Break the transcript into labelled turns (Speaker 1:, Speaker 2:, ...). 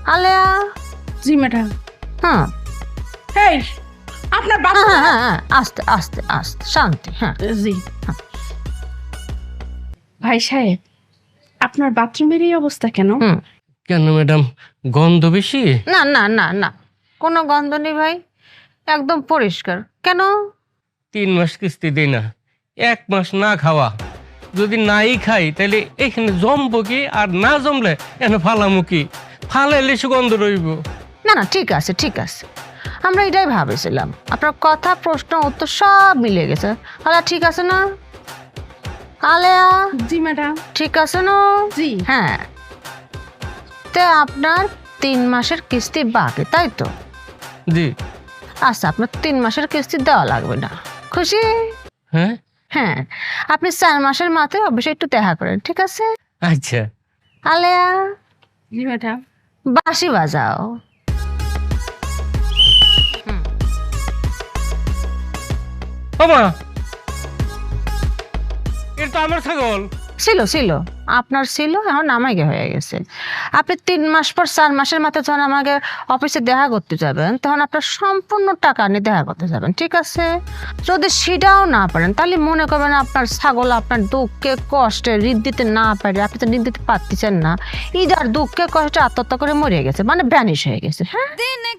Speaker 1: আলেয়া।
Speaker 2: জি ম্যাডাম।
Speaker 1: হ্যাঁ
Speaker 2: এই আপনার
Speaker 1: হ্যাঁ
Speaker 2: বাথরুম।
Speaker 1: হ্যাঁ হ্যাঁ, আস্তে আস্তে আস্তে, শান্তি। হ্যাঁ
Speaker 2: জি ভাই সাহেব, আপনার বাথরুমের এই অবস্থা কেন?
Speaker 1: হুম।
Speaker 3: কেন ম্যাডাম, গন্ধ বেশি?
Speaker 1: না না না না, কোনো গন্ধ নেই ভাই, একদম পরিষ্কার। কেন?
Speaker 3: 3 মাস কিস্তি দেই না, 1 মাস না খাওয়া। যদি নাই খাই তাহলে এখানে জমবো কি, আর না জমলে এখানে ফালামু কি? ফালাইলে সুগন্ধ রইব।
Speaker 1: না না, ঠিক আছে ঠিক আছে, আমরা এটাই ভাবেছিলাম। আপনার কথা প্রশ্ন উত্তর সব মিলে গেছে। আলা ঠিক আছে না আলেয়া?
Speaker 2: জি ম্যাডাম।
Speaker 1: ঠিক আছে না?
Speaker 2: জি।
Speaker 1: হ্যাঁ, তে আপনার 3 মাসের কিস্তি বাকি, তাই তো?
Speaker 3: জি।
Speaker 1: আচ্ছা, আপনার 3 মাসের কিস্তি দেওয়া লাগবে না, খুশি?
Speaker 3: হ্যাঁ
Speaker 1: হ্যাঁ, আপনি 4 মাসের মাথায় অবশ্যই একটু দেখা করেন, ঠিক আছে?
Speaker 3: আচ্ছা।
Speaker 1: আলেয়া,
Speaker 2: জি ম্যাডাম।
Speaker 1: বাঁশি বাজাও।
Speaker 3: ওমা, এটা তো আমার ছাগল।
Speaker 1: ছিল ছিল, আপনার ছিল, এখন আমাকে হয়ে গেছে। আপনি 3 মাস পর 4 মাসের মাথায় যখন আমাকে অফিসে দেখা করতে যাবেন, তখন আপনার সম্পূর্ণ টাকা নিয়ে দেখা করতে যাবেন, ঠিক আছে? যদি সেটাও না পারেন, তাহলে মনে করবেন আপনার ছাগল আপনার দুঃখে কষ্টে ঋণ দিতে না পারে, আপনি তো ঋণ দিতে পারতেছেন না, ইদার দুঃখে কষ্টে আত্মহত্যা করে মরে গেছে, মানে ভ্যানিশ হয়ে গেছে। হ্যাঁ,